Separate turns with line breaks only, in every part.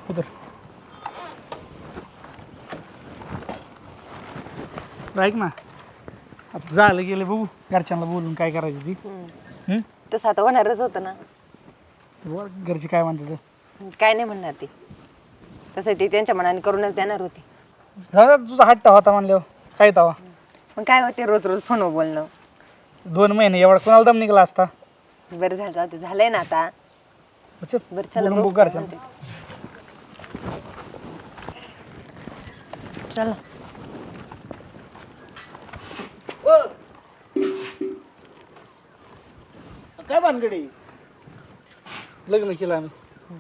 उतर. ऐक ना, आता झालं गेलं बघू घरच्यांना बोलून काय करायचं ती.
तसं आता होणारच होतं ना.
बरं, घरचे काय म्हणतात
काय नाही म्हणणार ती, तसं ती त्यांच्या मनाने करूनच देणार होती.
झालं तुझा हट्ट होता म्हणल्यावर काय तवा.
मग काय होते रोज रोज फोनवर बोलणं.
2 महिने एवढा कोणाला दम निघाला असता.
बरं झालं, जाऊ दे, झालंय ना आता.
चल,
बरं चला
बोलून
बघू
बघू
काय
घरच्यांना.
म्हणते. चला.
काय भानगडी
लग्न केलं आम्ही.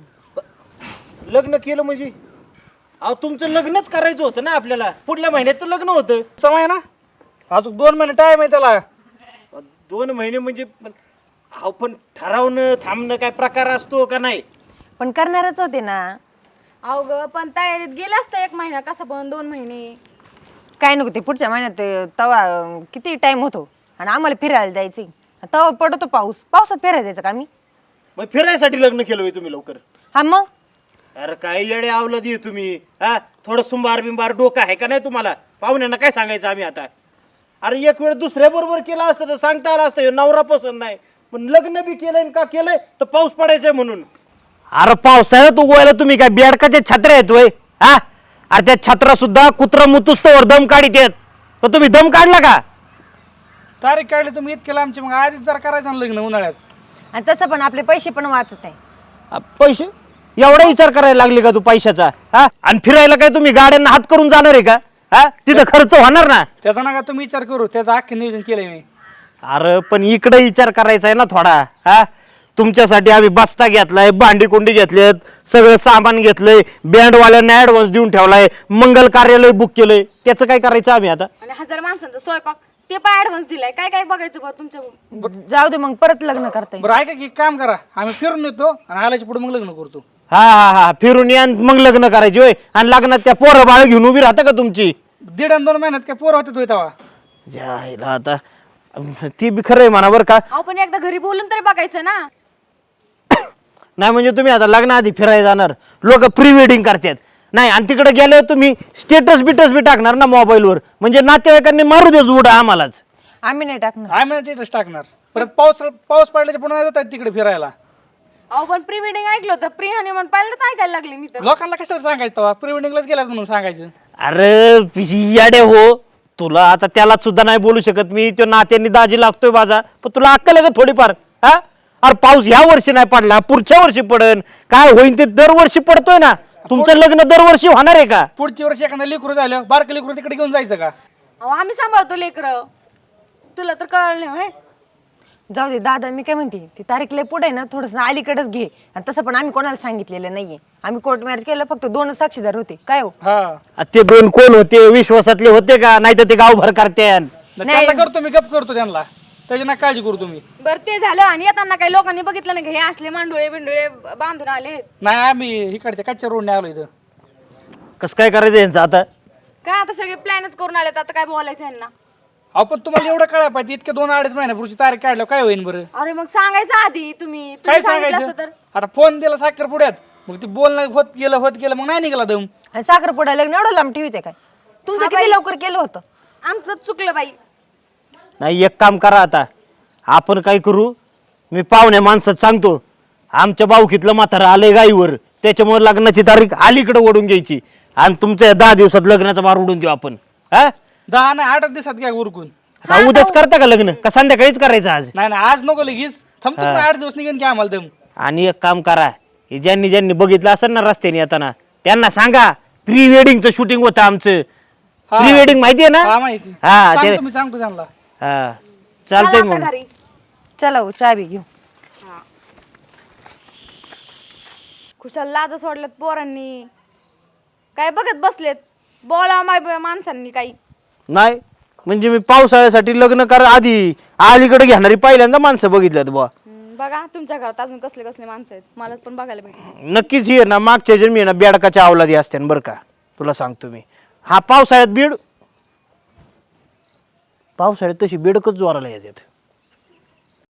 लग्न केलं म्हणजे अहो तुमचं लग्नच करायचं होतं ना आपल्याला. पुढल्या महिन्यात तर लग्न होतं.
समय ना, अजून 2 महिने टाइम आहे त्याला.
2 महिने म्हणजे अहो पण ठरवणं थांबणं काय प्रकार असतो का नाही.
पण करणारच होते ना.
अहो ग पण तयारीत गेलं असतं 1 महिना, कसं पण 2 महिने.
काय नको ते पुढच्या महिन्यात तवा किती टाइम होतो आणि आम्हाला फिरायला जायचं. तवा पडतो पाऊस, पावसात फिरायला जायचं का आम्ही.
मग फिरायसाठी लग्न केलं होय तुम्ही लवकर.
हा मग
अरे काय येडे आवलं दे तुम्ही. हा थोडं सुंबार बिंबार डोकं आहे का नाही तुम्हाला. पाहुण्यांना काय सांगायचं आम्ही आता. अरे एक वेळ दुसऱ्या बरोबर केला असतं तर सांगता आलं असतं नवरा पसंत नाही, पण लग्न बी केलंय का केलंय तर पाऊस पडायचंय म्हणून. अरे पावसाळ्यात उगवायला तुम्ही काय बेडकाच्या छत्र्या आहेत वय. हा अरे त्या छत्रा सुद्धा कुत्रा मुतुस्तवर दम काढीत येत, पण तुम्ही दम काढला का.
तारीख काढली तुम्ही केलं आमची, मग आधीच जरा करायचं ना लग्न उन्हाळ्यात.
आणि तसं पण आपले पैसे पण वाचत आहे.
पैसे एवढा विचार करायला लागले का तू पैशाचा. हा आणि फिरायला काय तुम्ही गाड्यांना हात करून जाणार आहे का. हा तिथं खर्च होणार ना.
त्याचा नका तुम्ही विचार करू, त्याचं अख्खे नियोजन केलंय मी.
अरे पण इकडे विचार करायचा आहे ना थोडा. हा तुमच्यासाठी आम्ही बस्ता घेतलाय, भांडी कुंडी घेतलेत, सगळं सामान घेतलंय, बँडवाल्यांना ऍडव्हान्स देऊन ठेवलाय, मंगल कार्यालय बुक केलंय. त्याचं काय करायचं आम्ही आता.
आणि 1000 माणसांचा स्वयंपाक ते पण ऍडव्हान्स दिलाय. काय काय बघायचं बरं तुमच्या.
जाऊ दे मग परत लग्न करता येईल.
बरं ऐका की एक काम करा, आम्ही फिरून येतो आणि आल्याच्या पुढे मग लग्न करतो.
हा हा हा फिरून या मग लग्न करायची होय. आणि लग्नात त्या पोरं बाळ घेऊन उभी राहता का तुमची.
1.5 आणि 2 महिन्यात काय पोरं होते तेव्हा.
जायला आता ती बी खरं आहे म्हणा बरं का.
अहो पण एकदा घरी बोलून तरी बघायचं ना.
नाही म्हणजे तुम्ही आता लग्नाआधी फिरायला जाणार, लोक प्री वेडिंग करतात नाही, आणि तिकडे गेल्यावर तुम्ही स्टेटस बिटस बी टाकणार ना मोबाईलवर, म्हणजे नातेवाईकांनी मारू दे जुडा आम्हालाच.
आम्ही नाही टाकणार.
आम्ही स्टेटस टाकणार. परत पाऊस पडल्याच्या पुढे नाही जातात तिकडे फिरायला.
अहो पण प्री वेडिंग ऐकलं होतं, प्री हनीमून पहिल्यांदाच ऐकायला लागले मी तर.
लोकांना कशाला सांगायचं तेव्हा, प्री वेडिंगलाच गेलात म्हणून सांगायचं.
अरे याडे हो, तुला आता त्याला सुद्धा नाही बोलू शकत मी. तो नात्यांनी दाजी लागतोय माझा, पण तुला अक्कल आहे का थोडीफार. हा अरे पाऊस ह्या वर्षी नाही पडला, पुढच्या वर्षी पडन. काय होईन ते दरवर्षी पडतोय ना. तुमचं लग्न दरवर्षी होणार आहे का.
पुढच्या वर्षी एखादा लेकरू झालं, बारकं लेकरू तिकडे घेऊन जायचं का.
अहो आम्ही सांभाळतो लेकरं, तुला तर कळलं नाही होय?
जाऊ दे दादा, मी काय म्हणते ती तारीख लय पुढे ना, थोडस अलीकडेच घे. आणि तसं पण आम्ही कोणाला सांगितलेलं नाहीये. आम्ही कोर्ट मॅरेज केलं, फक्त 2 साक्षीदार होते. काय हो.
हा
ते 2 कोण होते, विश्वासातले होते का. नाही तर ते गावभर करते.
त्यांना करतो मी, गप करतो त्यांना, त्याची ना काळजी करू तुम्ही.
बरं ते झालं. आणि येताना काही लोकांनी बघितलं नाही का हे असले मांडोळे बिंडोळे बांधून आले.
नाही आम्ही इकडच्या कच्च्या रोडने आलो इथं.
कसं काय करायचं यांचं आता.
काय आता सगळे प्लॅनच करून आलेत, आता काय बोलायचं यांना.
अहो पण तुम्हाला एवढं कळायला पाहिजे, इतके 2-2.5 महिन्यापूर्वीची तारीख काढल्यावर काय होईल बरं.
अरे मग सांगायचं आधी तुम्ही
काय
सांगितलं
सांगायचं
असतं तर.
आता फोन दिला साखर पुढ्यात, मग ते बोलणं होत गेलं मग नाही निघाला दम.
आणि साखरपुडा लग्न एवढं लांब ठेवते काय. तुमचं किती लवकर केलं होतं.
आमचं चुकलं बाई.
नाही एक काम करा आता, आपण काय करू, मी पाहुण्या माणसात सांगतो, आमच्या बावकीतलं म्हातारं आलंय गाईवर, त्याच्यामुळे लग्नाची तारीख अलीकडे ओढून घ्यायची आणि तुमच्या 10 दिवसात लग्नाचा बार उडून देऊ आपण. हा
10 नाही 8 दिवसात घ्या उरकून.
आता उद्याच करता का लग्न, का संध्याकाळीच करायचं आज.
नाही आज नको लगेच, थांबतो 8 दिवस निघेन की आम्हाला दम.
आणि एक काम करा, हे ज्यांनी बघितलं असेल ना रस्त्याने येताना, त्यांना सांगा प्री वेडिंगचं शूटिंग होतं आमचं. प्री वेडिंग माहितीये ना.
हा माहिती.
हा ते
सांगतो त्यांना.
हा चालतंय मग.
घरी
चला हो, चहा बी घेऊ.
खुशाल लाज सोडल्यात पोरांनी, काय बघत बसलेत. बोला माणसांनी काही.
नाही म्हणजे मी पावसाळ्यासाठी लग्न करा आधी अलीकडे घेणारी पहिल्यांदा माणसं बघितल्यात बुवा.
बघा तुमच्या घरात अजून कसले कसले माणसं आहेत, मला पण बघायला भेटले.
नक्कीच ही ना मागच्या जन्मी ना बेडकाच्या अवलादी असते बरं का, तुला सांगतो मी. हा पावसाळ्यात पावसाळ्यात तशी बेडकच जोराला येतात.